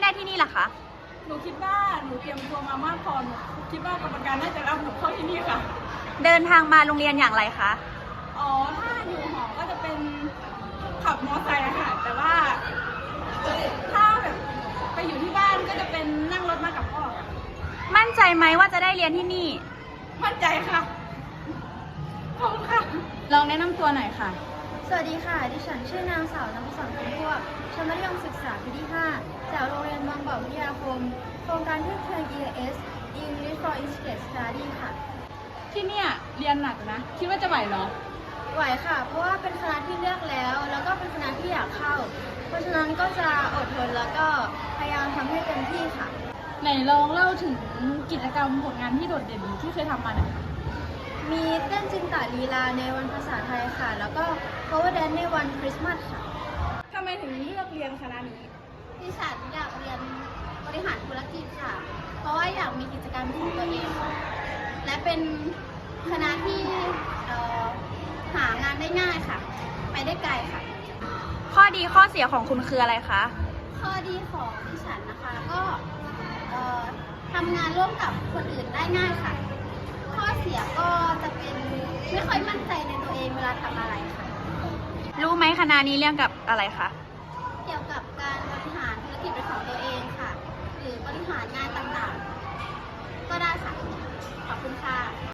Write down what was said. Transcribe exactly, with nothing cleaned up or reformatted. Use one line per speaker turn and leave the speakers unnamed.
ได้ที่นี่ล่ะคะ
หนูคิดว่าหนูเตรียมตัวมามากพอหนูคิดว่ากรรมการน่าจะรับหนูเข้าที่นี่ค่ะ
เดินทางมาโรงเรียนอย่างไรคะ
อ๋อ ถ้าอยู่หอก็จะเป็นขับมอไซค์อะค่ะ แต่ว่าถ้าแบบไปอยู่ที่บ้านก็จะเป็นนั่งรถมากับพ่อค่ะ
มั่นใจไหมว่าจะได้เรียนที่นี่
มั่นใจค่ะขอบคุณค่ะ ลองแนะนำตัวหน่อยค่ะ
สวัสดีค่ะ ดิฉันชื่อนางสาวนภสรคำพวกชั้นมัธยมศึกษาปีที่ ห้า จากโรงเรียนบางบ่อวิทยาคม โครงการเพื่อเทิร์น อี เอส English for Integrated Study ค่ะ
ที่เนี่ยเรียนหนักนะ คิดว่าจะไหวเหรอ
ไหวค่ะ เพราะว่าเป็นคณะที่เลือกแล้ว แล้วก็เป็นคณะที่อยากเข้า เพราะฉะนั้นก็จะอดทนแล้วก็พยายามทำให้เต็มที่ค่ะ
ไหนลองเล่าถึงกิจกรรมผลงานที่โดดเด่นที่เคยทำมาหน่อยค่ะ
มีเต้นจินตลีลาในวันภาษาไทยค่ะ แล้วก็ cover dance ในวันคริสต์มาสค่ะ
ทำไมถึงเลือกเรียนคณะนี้
ดิฉันอยากเรียนบริหารธุรกิจค่ะ เพราะว่าอยากมีกิจกรรมของตัวเองค่ะและเป็นคณะที่เอ่อหางานได้ง่ายค่ะ ไปได้ไกลค่ะ
ข้อดีข้อเสียของคุณคืออะไรคะ
ข้อดีของดิฉันนะคะก็เอ่อทำงานร่วมกับคนอื่นได้ง่ายค่ะ ข้อเสียก็จะเป็นไม่ค่อยมั่นใจในตัวเองเวลาทำอะไรค่ะ
รู้ไหมคณะนี้เรียนกับอะไรคะ
เกี่ยวกับการบริหารธุรกิจเป็นของตัวเองค่ะ หรือบริหารงานต่างๆ ก็ได้ค่ะ ขอบคุณค่ะ